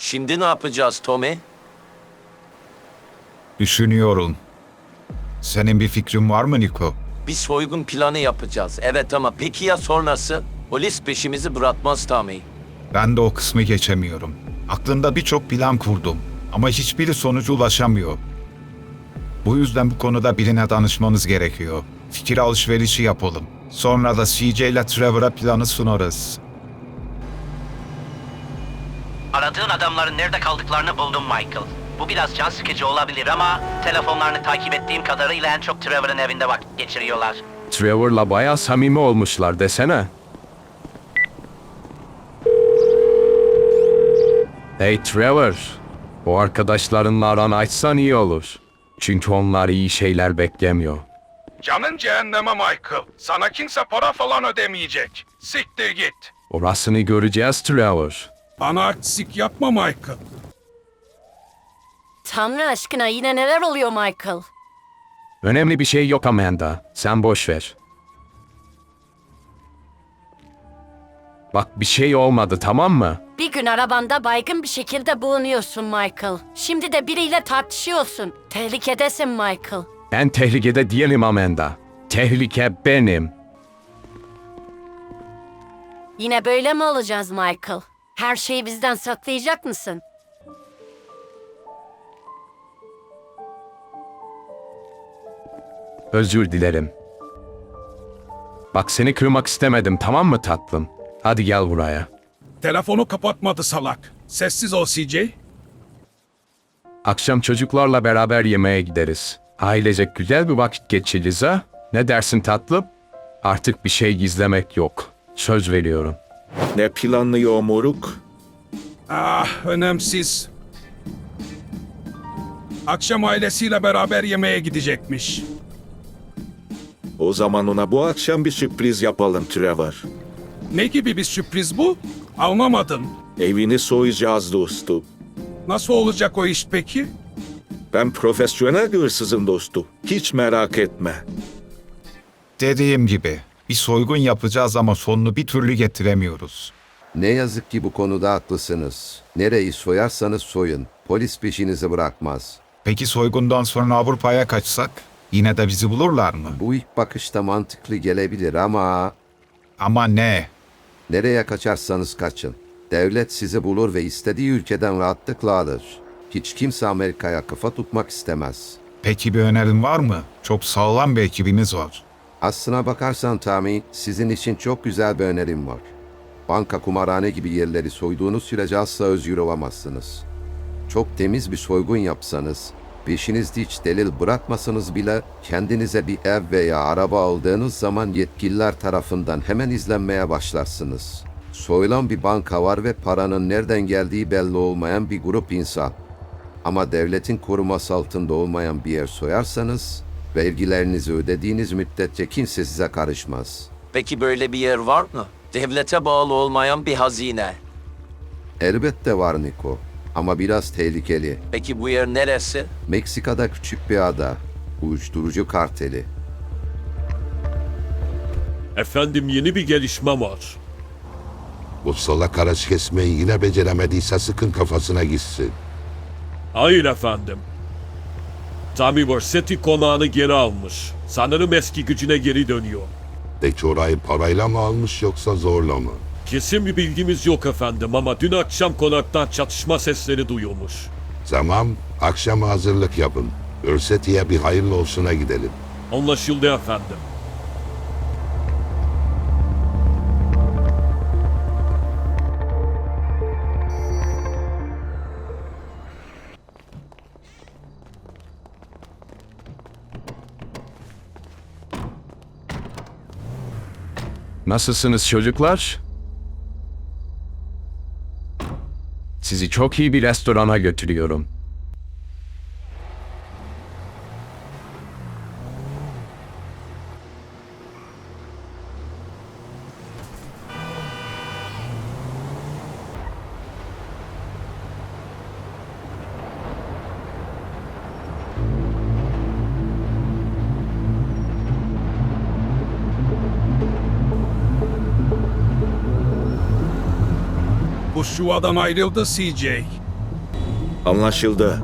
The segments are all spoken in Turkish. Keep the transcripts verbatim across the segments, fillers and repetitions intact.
Şimdi ne yapacağız Tommy? Düşünüyorum. Senin bir fikrin var mı Niko? Bir soygun planı yapacağız. Evet ama peki ya sonrası? Polis peşimizi bırakmaz Tommy. Ben de o kısmı geçemiyorum. Aklımda birçok plan kurdum ama hiçbiri sonuca ulaşamıyor. Bu yüzden bu konuda birine danışmanız gerekiyor. Fikir alışverişi yapalım. Sonra da C J ile Trevor'a planı sunarız. Aradığın adamların nerede kaldıklarını buldum Michael. Bu biraz can sıkıcı olabilir ama telefonlarını takip ettiğim kadarıyla en çok Trevor'ın evinde vakit geçiriyorlar. Trevor'la bayağı samimi olmuşlar desene. Hey Trevor, o arkadaşlarınla aran açsan iyi olur. Çünkü onlar iyi şeyler beklemiyor. Canın cehenneme Michael. Sana kimse para falan ödemeyecek. Siktir git. Orasını göreceğiz Trevor. Bana artistik yapma Michael. Tanrı aşkına yine neler oluyor Michael? Önemli bir şey yok Amanda, sen boş ver. Bak bir şey olmadı tamam mı? Bir gün arabanda baygın bir şekilde bulunuyorsun Michael. Şimdi de biriyle tartışıyorsun. Tehlikedesin Michael. Ben tehlikede değilim Amanda. Tehlike benim. Yine böyle mi olacağız Michael? Her şeyi bizden saklayacak mısın? Özür dilerim. Bak seni kırmak istemedim tamam mı tatlım? Hadi gel buraya. Telefonu kapatmadı salak. Sessiz ol C J. Akşam çocuklarla beraber yemeğe gideriz. Ailecek güzel bir vakit geçiririz ha? Ne dersin tatlım? Artık bir şey gizlemek yok. Söz veriyorum. Ne planlıyor moruk? Ah, önemsiz. Akşam ailesiyle beraber yemeğe gidecekmiş. O zaman ona bu akşam bir sürpriz yapalım Trevor. Ne gibi bir sürpriz bu? Anlamadım. Evini soyacağız dostum. Nasıl olacak o iş peki? Ben profesyonel bir hırsızım dostum. Hiç merak etme. Dediğim gibi bir soygun yapacağız ama sonunu bir türlü getiremiyoruz. Ne yazık ki bu konuda haklısınız. Nereyi soyarsanız soyun. Polis peşinizi bırakmaz. Peki soygundan sonra Avrupa'ya kaçsak? Yine de bizi bulurlar mı? Bu ilk bakışta mantıklı gelebilir ama Ama ne? nereye kaçarsanız kaçın. Devlet sizi bulur ve istediği ülkeden rahatlıkla alır. Hiç kimse Amerika'ya kafa tutmak istemez. Peki bir önerin var mı? Çok sağlam bir ekibimiz var. Aslına bakarsan Tommy, sizin için çok güzel bir önerim var. Banka, kumarhane gibi yerleri soyduğunuz sürece asla özgür olamazsınız. Çok temiz bir soygun yapsanız, peşinizde hiç delil bırakmasanız bile kendinize bir ev veya araba aldığınız zaman yetkililer tarafından hemen izlenmeye başlarsınız. Soyulan bir banka var ve paranın nereden geldiği belli olmayan bir grup insan. Ama devletin koruması altında olmayan bir yer soyarsanız, vergilerinizi ödediğiniz müddetçe kimse size karışmaz. Peki böyle bir yer var mı? Devlete bağlı olmayan bir hazine. Elbette var Niko, ama biraz tehlikeli. Peki bu yer neresi? Meksika'da küçük bir ada, uyuşturucu karteli. Efendim yeni bir gelişme var. Bu salak araç kesmeyi yine beceremediyse sıkın kafasına gitsin. Hayır efendim. Tommy Vercetti konağını geri almış. Sanırım eski gücüne geri dönüyor. Peki orayı parayla mı almış yoksa zorla mı? Kesin bir bilgimiz yok efendim ama dün akşam konaktan çatışma sesleri duyulmuş. Tamam, akşama hazırlık yapın. Örseti'ye bir hayırlı olsuna gidelim. Anlaşıldı efendim. Nasılsınız çocuklar? Sizi çok iyi bir restorana götürüyorum. Bu şuvadan ayrıldı C J. Anlaşıldı.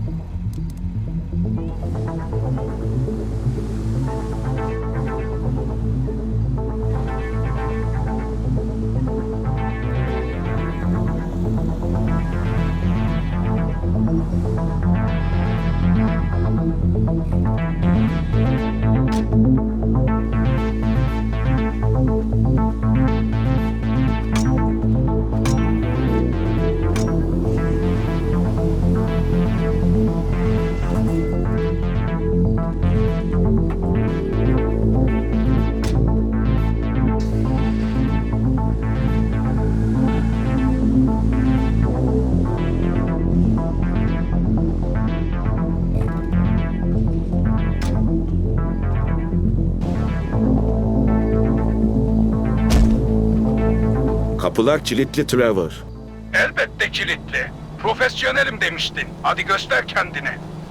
Kapılar kilitli Trevor. Elbette kilitli. Profesyonelim demiştin. Hadi göster kendini.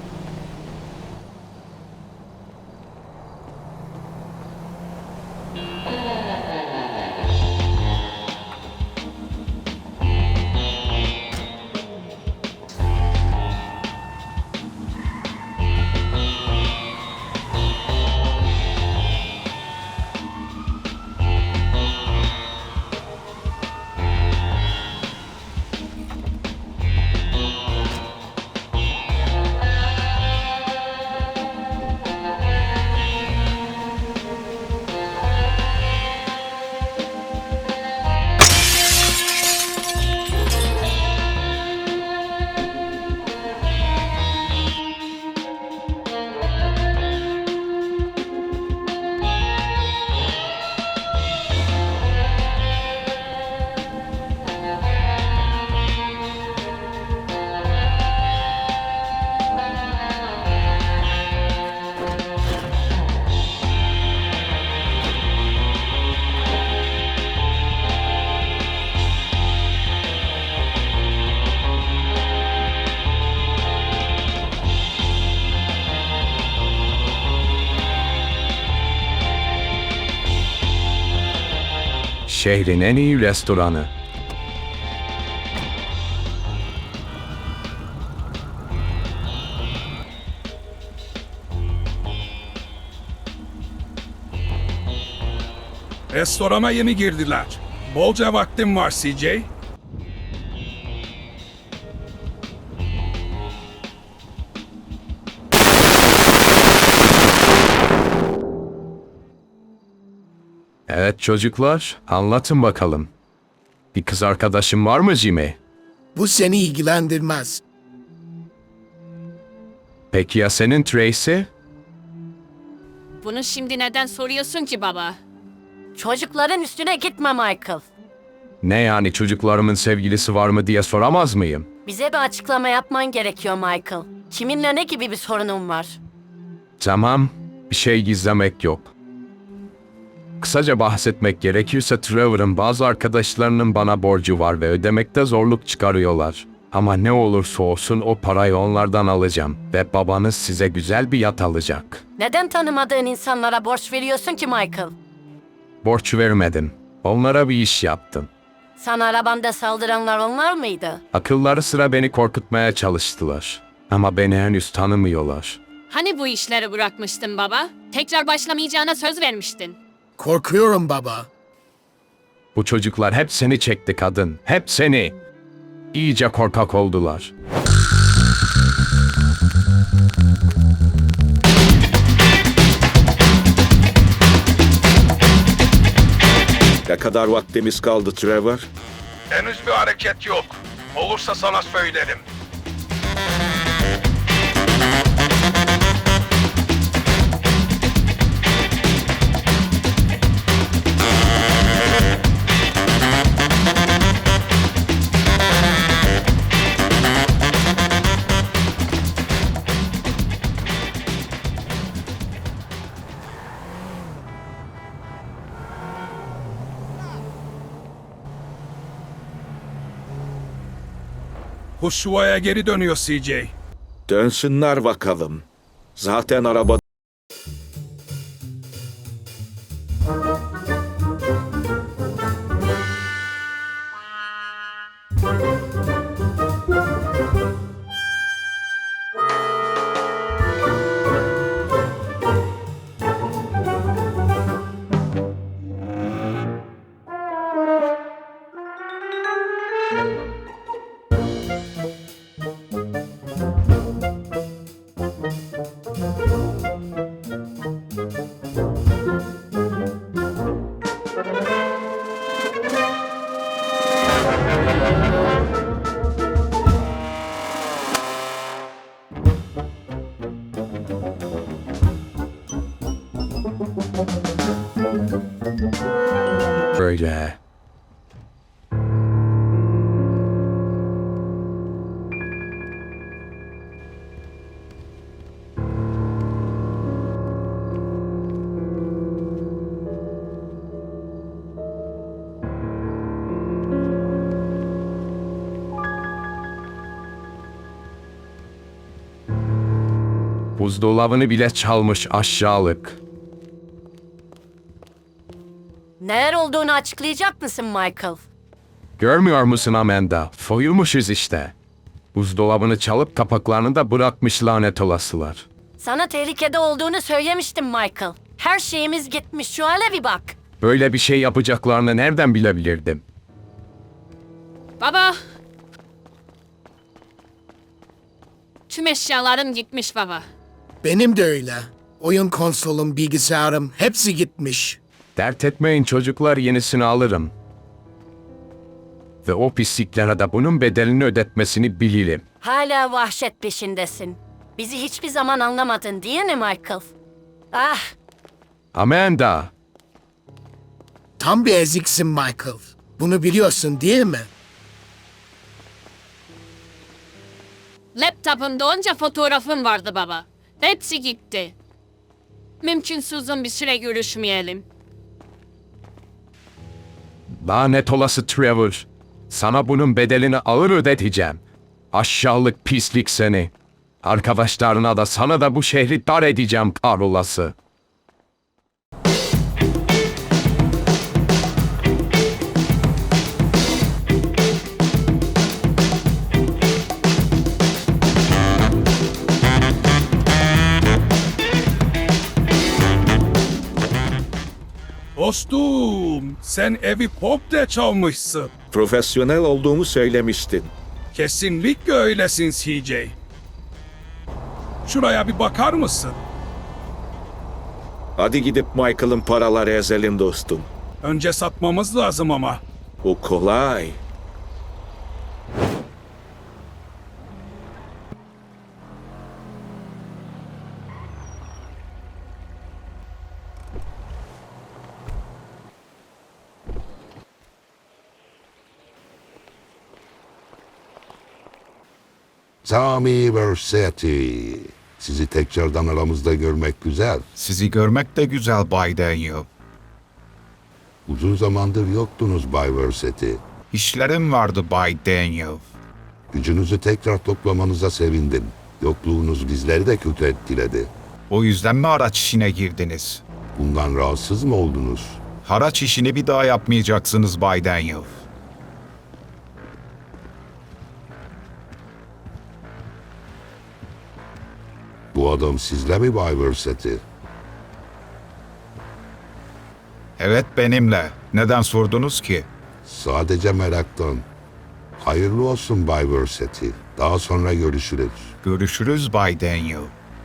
Şehrin en iyi restoranı. Restorana yeni girdiler. Bolca vaktim var C J. Evet çocuklar, anlatın bakalım. Bir kız arkadaşın var mı Jimmy? Bu seni ilgilendirmez. Peki ya senin Tracy? Bunu şimdi neden soruyorsun ki baba? Çocukların üstüne gitme Michael. Ne yani çocuklarımın sevgilisi var mı diye soramaz mıyım? Bize bir açıklama yapman gerekiyor Michael. Kiminle ne gibi bir sorunun var? Tamam, bir şey gizlemek yok. Kısaca bahsetmek gerekirse Trevor'ın bazı arkadaşlarının bana borcu var ve ödemekte zorluk çıkarıyorlar. Ama ne olursa olsun o parayı onlardan alacağım ve babanız size güzel bir yat alacak. Neden tanımadığın insanlara borç veriyorsun ki Michael? Borç vermedim. Onlara bir iş yaptım. Sana arabanda saldıranlar onlar mıydı? Akılları sıra beni korkutmaya çalıştılar. Ama beni henüz tanımıyorlar. Hani bu işleri bırakmıştın baba? Tekrar başlamayacağına söz vermiştin. Korkuyorum baba. Bu çocuklar hep seni çekti kadın. Hep seni. İyice korkak oldular. Ne kadar vaktimiz kaldı Trevor? Henüz bir hareket yok. Olursa sana söylerim. Hushua'ya geri dönüyor C J. Dönsünler bakalım. Zaten araba... Böyle. Buzdolabını bile çalmış aşağılık. Neler olduğunu açıklayacak mısın Michael? Görmüyor musun Amanda? Soyulmuşuz işte. Buzdolabını çalıp kapaklarını da bırakmış lanet olasılar. Sana tehlikede olduğunu söylemiştim Michael. Her şeyimiz gitmiş, şu hale bir bak. Böyle bir şey yapacaklarını nereden bilebilirdim? Baba. Tüm eşyalarım gitmiş baba. Benim de öyle. Oyun konsolum, bilgisayarım hepsi gitmiş. Dert etmeyin çocuklar, yenisini alırım. Ve o pisliklere de bunun bedelini ödetmesini bilelim. Hala vahşet peşindesin. Bizi hiçbir zaman anlamadın değil mi Michael? Ah, Amanda, Tam bir eziksin Michael. Bunu biliyorsun değil mi? Laptopumda onca fotoğrafım vardı baba. Hepsi gitti. Mümkünse uzun bir süre görüşmeyelim. lanet olası Trevor. Sana bunun bedelini ağır ödeteceğim. Aşağılık pislik seni. Arkadaşlarına da sana da bu şehri dar edeceğim kahrolası. Dostum, sen evi komple çalmışsın. Profesyonel olduğumu söylemiştin. Kesinlikle öylesin C J. Şuraya bir bakar mısın? Hadi gidip Michael'ın paraları ezelim dostum. Önce satmamız lazım ama. O kolay. Tommy Versetti. Sizi tekrardan aramızda görmek güzel. Sizi görmek de güzel Bay Daniel. Uzun zamandır yoktunuz Bay Versetti. İşlerim vardı Bay Daniel. Gücünüzü tekrar toplamanıza sevindim. Yokluğunuz bizleri de kötü etkiledi. O yüzden mi araç işine girdiniz? Bundan rahatsız mı oldunuz? Haraç işini bir daha yapmayacaksınız Bay Daniel. Bu adam sizle mi Bay Versetti? Evet benimle. Neden sordunuz ki? Sadece meraktan. Hayırlı olsun Bay Versetti. Daha sonra görüşürüz. Görüşürüz Bay Daniel.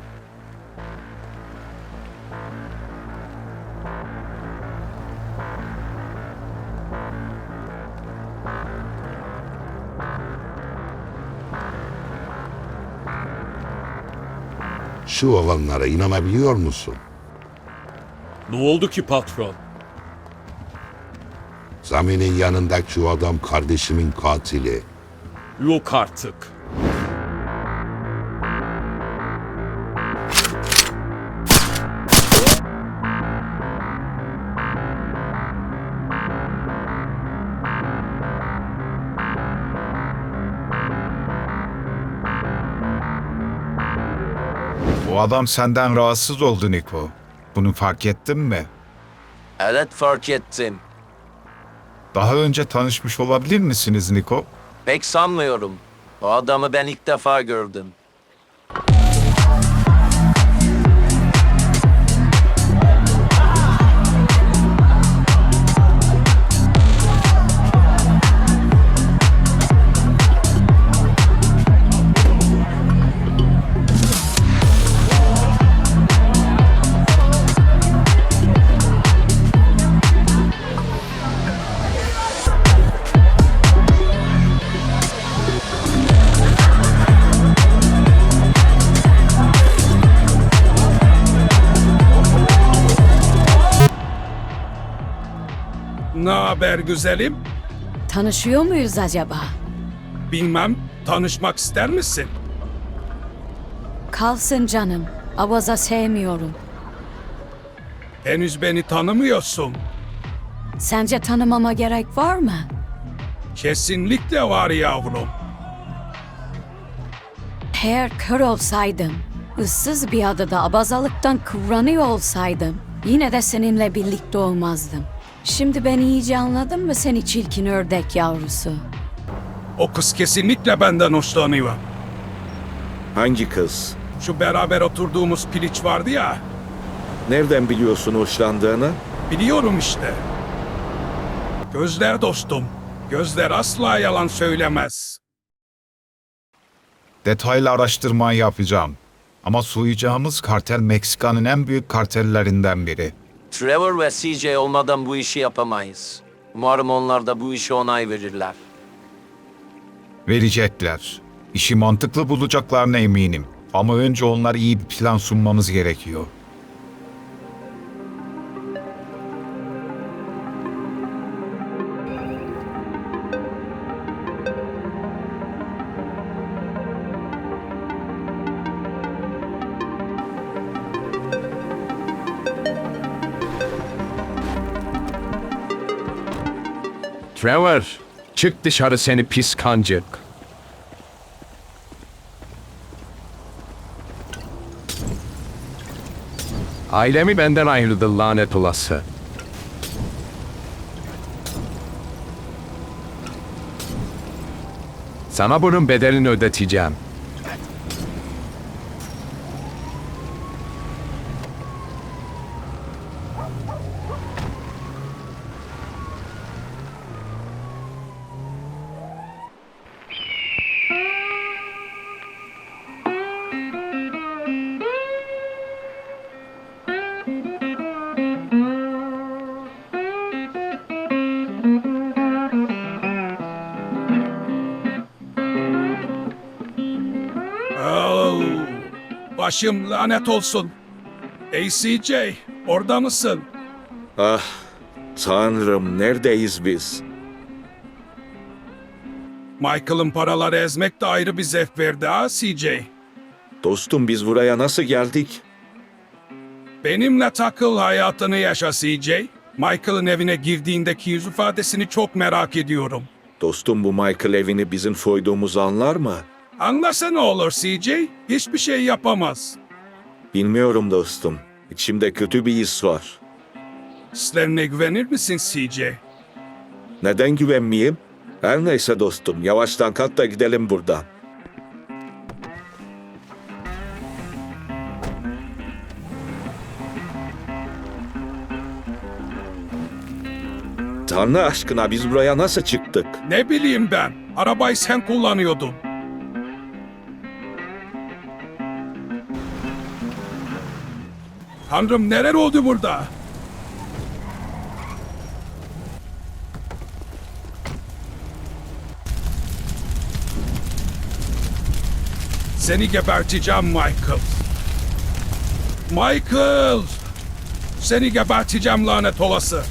Şu olanlara inanabiliyor musun? Ne oldu ki patron? Sami'nin yanındaki şu adam kardeşimin katili. Yok artık. O adam senden rahatsız oldu Niko. Bunu fark ettin mi? Evet fark ettim. Daha önce tanışmış olabilir misiniz Niko? Pek sanmıyorum. O adamı ben ilk defa gördüm. Ne haber güzelim? Tanışıyor muyuz acaba? Bilmem, tanışmak ister misin? Kalsın canım. Avaza sevmiyorum. Henüz beni tanımıyorsun. Sence tanımama gerek var mı? Kesinlikle var yavrum. Eğer kör olsaydım, ıssız bir adada abazalıktan kıvranıyor olsaydım, yine de seninle birlikte olmazdım. Şimdi beni iyice anladın mı seni çirkin ördek yavrusu? O kız kesinlikle benden hoşlanıyor. Hangi kız? Şu beraber oturduğumuz piliç vardı ya. Nereden biliyorsun hoşlandığını? Biliyorum işte. Gözler dostum. Gözler asla yalan söylemez. Detaylı araştırma yapacağım. Ama soyacağımız kartel Meksika'nın en büyük kartellerinden biri. Trevor ve C J olmadan bu işi yapamayız. Umarım onlar da bu işe onay verirler. Verecekler. İşi mantıklı bulacaklarına eminim. Ama önce onlara iyi bir plan sunmamız gerekiyor. Trevor, çık dışarı seni pis kancık. Ailemi benden ayırdı lanet olası. Sana bunun bedelini ödeteceğim. Oh, başım lanet olsun. Ey C J, orada mısın? Ah, tanrım neredeyiz biz? Michael'ın paraları ezmek de ayrı bir zevk verdi ha C J. Dostum biz buraya nasıl geldik? Benimle takıl hayatını yaşa C J. Michael'ın evine girdiğindeki yüz ifadesini çok merak ediyorum. Dostum bu Michael evini bizim soyduğumuzu anlar mı? Anlasa ne olur C J? Hiçbir şey yapamaz. Bilmiyorum dostum. İçimde kötü bir his var. Hislerine güvenir misin C J? Neden güvenmeyeyim? Her neyse dostum, yavaştan kalk da gidelim buradan. Tanrı aşkına biz buraya nasıl çıktık? Ne bileyim ben. Arabayı sen kullanıyordun. Tanrım neler oldu burada? Seni geberteceğim Michael. Michael! Seni geberteceğim lanet olası.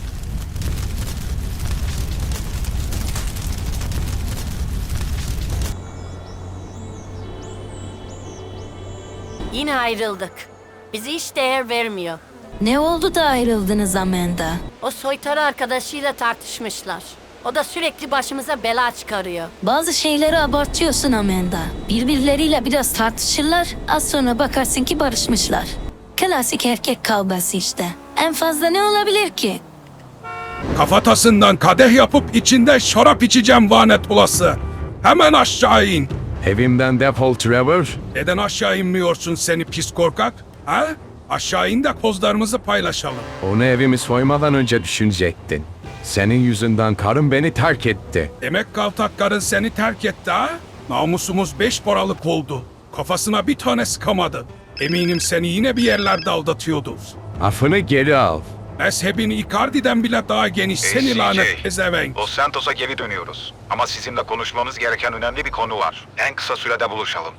Yine ayrıldık. Bizi hiç değer vermiyor. Ne oldu da ayrıldınız Amanda? O soytarı arkadaşıyla tartışmışlar. O da sürekli başımıza bela çıkarıyor. Bazı şeyleri abartıyorsun Amanda. Birbirleriyle biraz tartışırlar, az sonra bakarsın ki barışmışlar. Klasik erkek kavgası işte. En fazla ne olabilir ki? Kafatasından kadeh yapıp içinde şarap içeceğim lanet olası. Hemen aşağı in. Evimden defol Trevor. Neden aşağı inmiyorsun seni pis korkak? Ha? Aşağı in de kozlarımızı paylaşalım. Onu evimi soymadan önce düşünecektin. Senin yüzünden karım beni terk etti. Demek kaltak karın seni terk etti ha? Namusumuz beş paralık oldu. Kafasına bir tane sıkamadı. Eminim seni yine bir yerlerde aldatıyordu. Affını geri al. Mezhebin Icardi'den bile daha geniş seni lanet pezevenk. Los Santos'a geri dönüyoruz. Ama sizinle konuşmamız gereken önemli bir konu var. En kısa sürede buluşalım.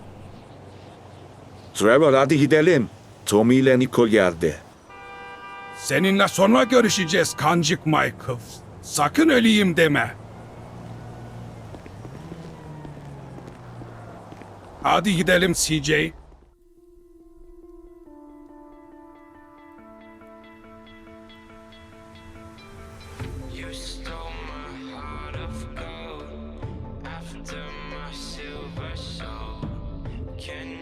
Trevor hadi gidelim. Tommy ile Nico geldi. Seninle sonra görüşeceğiz kancık Michael. Sakın öleyim deme. Hadi gidelim C J. You stole my heart of gold after my silver soul. Can